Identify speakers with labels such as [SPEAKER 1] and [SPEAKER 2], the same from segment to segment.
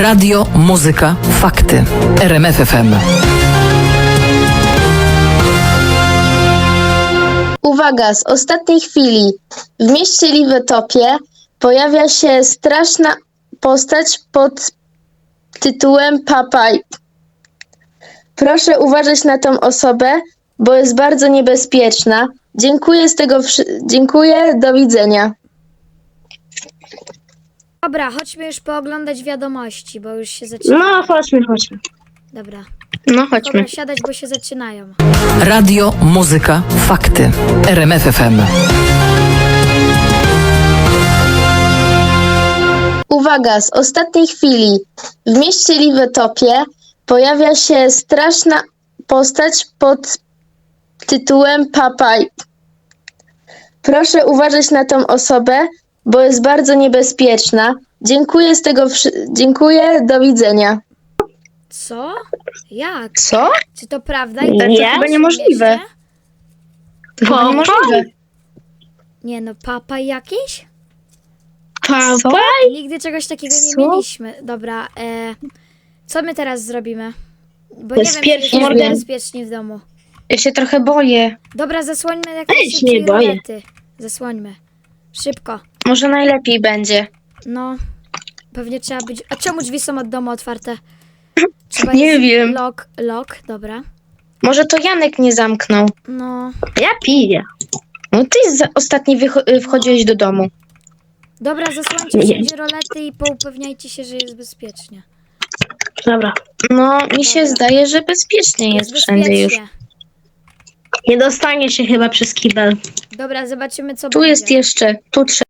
[SPEAKER 1] Radio, muzyka, fakty. RMF FM.
[SPEAKER 2] Uwaga, z ostatniej chwili. W mieście Liwetopie pojawia się straszna postać pod tytułem Papaj. Proszę uważać na tą osobę, bo jest bardzo niebezpieczna. Dziękuję, do widzenia.
[SPEAKER 3] Dobra, chodźmy już pooglądać wiadomości, bo już się zaczyna.
[SPEAKER 4] No, chodźmy.
[SPEAKER 3] Dobra.
[SPEAKER 2] No chodźmy.
[SPEAKER 3] Dobra, siadać, bo się zaczynają.
[SPEAKER 1] Radio, muzyka, fakty. RMF FM.
[SPEAKER 2] Uwaga, z ostatniej chwili. W mieście Liwetopie pojawia się straszna postać pod tytułem Papaj. Proszę uważać na tą osobę, bo jest bardzo niebezpieczna. Dziękuję, do widzenia.
[SPEAKER 3] Co? Jak?
[SPEAKER 2] Co?
[SPEAKER 3] Czy to prawda?
[SPEAKER 4] Nie,
[SPEAKER 3] I
[SPEAKER 4] to chyba
[SPEAKER 2] niemożliwe. To chyba niemożliwe.
[SPEAKER 3] Nie no, papa jakiś?
[SPEAKER 4] Papa?
[SPEAKER 3] Nigdy czegoś takiego nie
[SPEAKER 2] Co?
[SPEAKER 3] mieliśmy. Dobra, co my teraz zrobimy? Bo nie wiem, czy
[SPEAKER 4] Bezpiecznie,
[SPEAKER 3] jest
[SPEAKER 2] Morgan.
[SPEAKER 3] bezpiecznie w domu.
[SPEAKER 2] Ja się trochę boję.
[SPEAKER 3] Dobra, zasłońmy
[SPEAKER 4] Ja
[SPEAKER 3] jakieś
[SPEAKER 4] się
[SPEAKER 3] szybciej
[SPEAKER 4] nie boję.
[SPEAKER 3] rolety. Zasłońmy. Szybko.
[SPEAKER 2] Może najlepiej będzie.
[SPEAKER 3] No, pewnie trzeba być... A czemu drzwi są od domu otwarte? Trzeba
[SPEAKER 2] Nie
[SPEAKER 3] jest
[SPEAKER 2] wiem.
[SPEAKER 3] Lock, dobra.
[SPEAKER 2] Może to Janek nie zamknął.
[SPEAKER 3] No,
[SPEAKER 4] Ja piję.
[SPEAKER 2] No ty ostatni wchodziłeś do domu.
[SPEAKER 3] dobra, zasłońcie wszędzie rolety i poupewniajcie się, że jest bezpiecznie.
[SPEAKER 4] Dobra.
[SPEAKER 2] No, mi się
[SPEAKER 3] Dobra.
[SPEAKER 2] zdaje, że bezpiecznie jest wszędzie już.
[SPEAKER 3] bezpiecznie.
[SPEAKER 4] Nie dostanie się chyba przez kibel.
[SPEAKER 3] Dobra, zobaczymy co
[SPEAKER 2] Tu
[SPEAKER 3] będzie.
[SPEAKER 2] jest jeszcze, tu trzeba.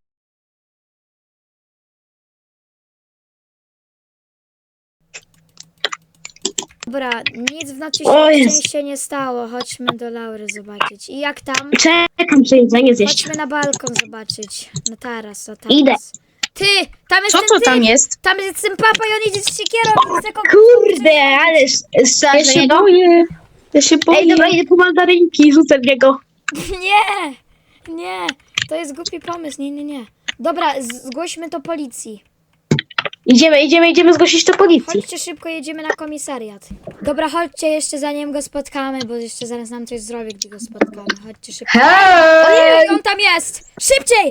[SPEAKER 3] Dobra, nic w nocy
[SPEAKER 4] O
[SPEAKER 3] się
[SPEAKER 4] Jezu.
[SPEAKER 3] szczęście nie stało. Chodźmy do Laury zobaczyć. I jak tam?
[SPEAKER 4] Czekam, że jedzenie zjeść.
[SPEAKER 3] Chodźmy na balkon zobaczyć. Na taras, o taras.
[SPEAKER 4] Idę.
[SPEAKER 3] Ty! Tam jest
[SPEAKER 2] Co
[SPEAKER 3] ten
[SPEAKER 2] to
[SPEAKER 3] typ!
[SPEAKER 2] tam jest?
[SPEAKER 3] Tam jest ten papa i on idzie z siekierą. Chce kogoś
[SPEAKER 4] Kurde, ale
[SPEAKER 2] Ja
[SPEAKER 4] strzelasz
[SPEAKER 2] się
[SPEAKER 4] niego?
[SPEAKER 2] boję. Ja się boję.
[SPEAKER 4] Ej, dobra, idę po mandarynki i rzucę w niego.
[SPEAKER 3] Nie! To jest głupi pomysł. Nie. Dobra, zgłośmy to policji.
[SPEAKER 4] Idziemy zgłosić to policji.
[SPEAKER 3] Chodźcie szybko, jedziemy na komisariat. Dobra, chodźcie jeszcze zanim go spotkamy, bo jeszcze zaraz nam coś zrobi, gdy go spotkamy. Chodźcie szybko. Ojej, on tam jest! Szybciej!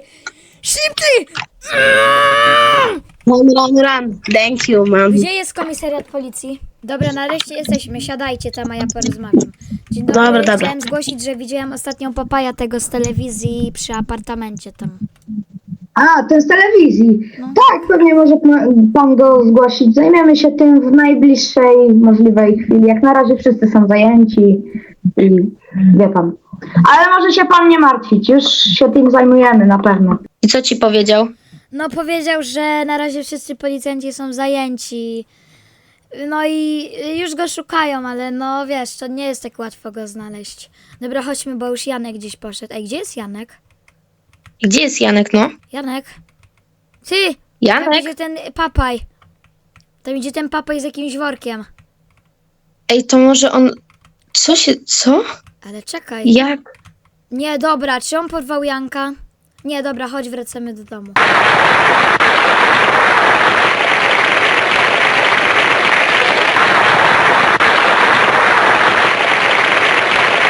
[SPEAKER 4] Run. Thank you, man.
[SPEAKER 3] Gdzie jest komisariat policji? Dobra, nareszcie jesteśmy. Siadajcie tam, a ja porozmawiam. Dzień dobry.
[SPEAKER 4] Dobra.
[SPEAKER 3] Chciałem zgłosić, że widziałem ostatnią papaja tego z telewizji przy apartamencie tam.
[SPEAKER 5] A, ten z telewizji.
[SPEAKER 3] No.
[SPEAKER 5] Tak, pewnie może pan go zgłosić. Zajmiemy się tym w najbliższej możliwej chwili. Jak na razie wszyscy są zajęci i wie pan. Ale może się pan nie martwić, już się tym zajmujemy na pewno.
[SPEAKER 2] I co ci powiedział?
[SPEAKER 3] No powiedział, że na razie wszyscy policjanci są zajęci. No i już go szukają, ale no wiesz, to nie jest tak łatwo go znaleźć. Dobra, chodźmy, bo już Janek gdzieś poszedł. Ej, gdzie jest Janek?
[SPEAKER 2] Gdzie jest Janek, no?
[SPEAKER 3] Janek? Ty! Tam
[SPEAKER 2] Janek?
[SPEAKER 3] idzie ten papaj. Tam idzie ten papaj z jakimś workiem.
[SPEAKER 2] Ej, to może on... Co?
[SPEAKER 3] Ale czekaj.
[SPEAKER 2] Jak?
[SPEAKER 3] Nie, dobra, czy on porwał Janka? Nie, dobra, chodź, wracamy do domu.